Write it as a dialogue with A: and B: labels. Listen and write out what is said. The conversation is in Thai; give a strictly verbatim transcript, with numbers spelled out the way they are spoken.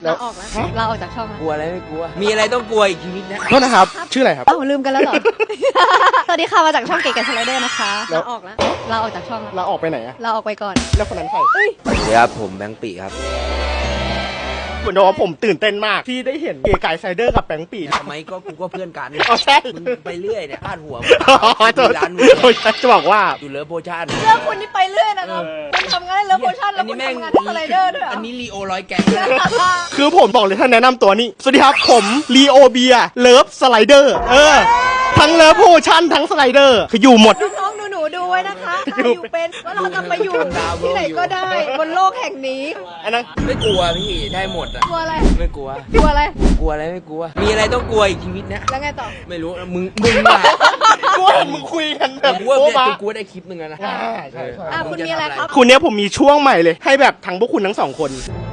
A: เราออกแล้วเราออกจากช่องแล้ว
B: กลัวอะไรไม่กลัวมีอะไรต้องกลัวอีกชีวิตนะ
C: โทษนะครับชื่ออะไรครับ
A: เอ้าลืมกันแล้วเหรอ สวัสดีค่ะมาจากช่องเก๋กับสไลเดอร์นะคะเราออกแล้วเราออกจากช่องแล้ว
C: เราออกไปไหนอะ
A: เราออกไปก่อน
C: แล้วคนนั้นใคร
B: สวัสดีครับผมแบงค์ปีครับ
C: เหมือนว่าผมตื่นเต้นมากที่ได้เห็นเก๋ไก่ไซเดอร์กับแบงค์ปี
B: ทำไมก็กูก็เพื่อนกัน
C: อ๋อใช่
B: มึงไปเรื่อยเนี่ยพลาดหัว
C: อ๋อโทษ
B: ร้าน
C: โทษจะบอกว่า
B: อยู่เลิฟโพชั่น
A: เรื่องคุณนี่ไปเรื่อยนะครับคุณทำงานเลิฟโพชั่นแล้วคุณทำงานที่สไลเดอร์ด้วยเหรอ
B: อันนี้ลีโอร้อยแกงนะ
C: คือผมบอกเลยท่านแนะนำตัวนี้สวัสดีครับผมลีโอเบียเลิฟสไลเดอร์เออทั้งเลิฟโพชั่นทั้งสไลเดอร์คืออยู่หมด
A: น้องๆหนูๆดูไว้นะคะเราอยู่เป็นว่าเราจะไปอยู่ที่ไหนก็ได้บนโลกแห่งนี้
C: อันนั้น
B: ไม่กลัวพี่ได้หมดอ่ะ
A: กลัวอะไร
B: ไม่กลัว
A: กลัวอะไร
B: กลัวอะไรไม่กลัว มีอะไรต้องกลัวอีกชีวิตนะ
A: แล้วไงต่อ
B: ไม่รู้มึงมึงอะ
C: กูเห็นมึงคุยกันแบบ
B: กูว่า
C: โอ้
B: เนี่ย
C: มา
B: กูได้คลิปหนึงแล้วนะ
C: อ่าใช่ใช่
A: อ่ะคุณมีอะไรครับ
C: คุณเนี้ยผมมีช่วงใหม่เลยให้แบบทั้งพวกคุณทั้งสองคน